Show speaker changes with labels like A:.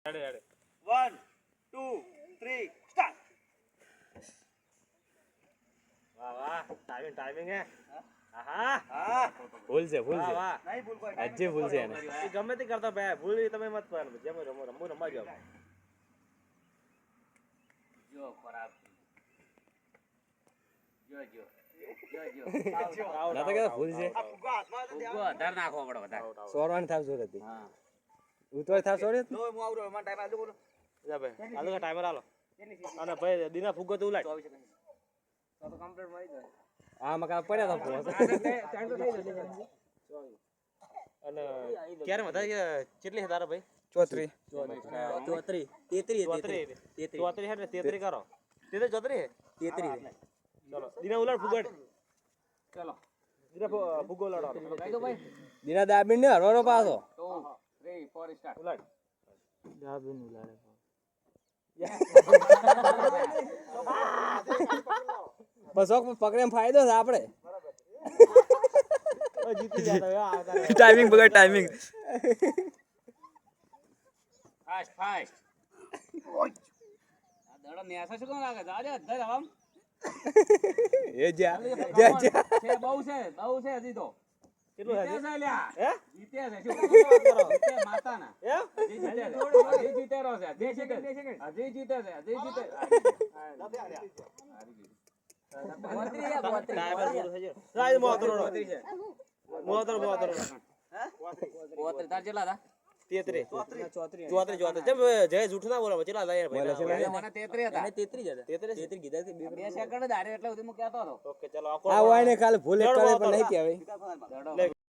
A: 1 2 3 start. વાહ વાહ timing હે. હા ભૂલ છે નહીં ભૂલ કોઈ આજે ભૂલ છે એને ગમે તે કરતા ભાઈ ભૂલ તમે મત કરો જેમ રમવા જાવ
B: જો ખરાબ જો
C: ના તો કે ભૂલ છે
A: આ ફુગ્ગો હાથમાં તો
B: ફુગ્ગો વધારે નાખવો પડે વધારે
C: સોરવાની થાવ જોર હતી
B: હા
C: ઉતવાય થાવ સોરે
A: નો હું આવરો મને ટાઈમ આજો બોલો જા ભાઈ આલો ટાઈમર આલો અને ભાઈ દીના ફુગ્ગો તો ઉલાય 24 સેકન્ડ તો કમ્પ્લીટ મારી દે
C: આ મકા પડ્યા તો
A: ટાઈમ તો થઈ જશે અને ક્યારે વધારે કેટલી છે તારા ભાઈ
C: 34
A: હે ને 33 કરો 34 હે ચલો દીના ઉલાડ ફુગ્ગો
B: ચલો
A: દીના ફુગ્ગો ઉલાડો
B: કહી દો ભાઈ
C: દિના દાબીન ને હરવાનો પાછો
B: 2 3 4 સ્ટાર્ટ
A: ઉલાડ
C: દાબીન ઉલાડે બસ પકડે ફાયદો છે આપણે
A: જીતી જતા
C: ટાઈમિંગ બગડ ટાઈમિંગ
B: ફાસ્ટ આ દડો નેસા શું કોણ લાગે જાજે અધર આમ
C: એ જા
B: છે બહુ છે હજી તો
A: કેટલું
B: જીતે છે લ્યા
A: હે
B: જીતે છે શું કરો જીતે માતાના
A: હે
B: હજી જીતે રહ્યો છે હજી જીતે છે હજી જીતે
A: ટાઈમર પૂરો થઈ ગયો રાજ મોતરો
B: તાર ચેલા હતા
A: 33 જેમ જય જૂઠ ના બોલો ચેલા હતા યાર ભાઈ
B: મને 33 હતા
C: 33 કીધા છે
B: બે સેકન્ડ જ હારે એટલે સુધી હું કહેતો હતો
A: ઓકે ચલો
C: આ વાયને કાલે ભૂલે કરે પણ નહીં કહેવાય
B: દડો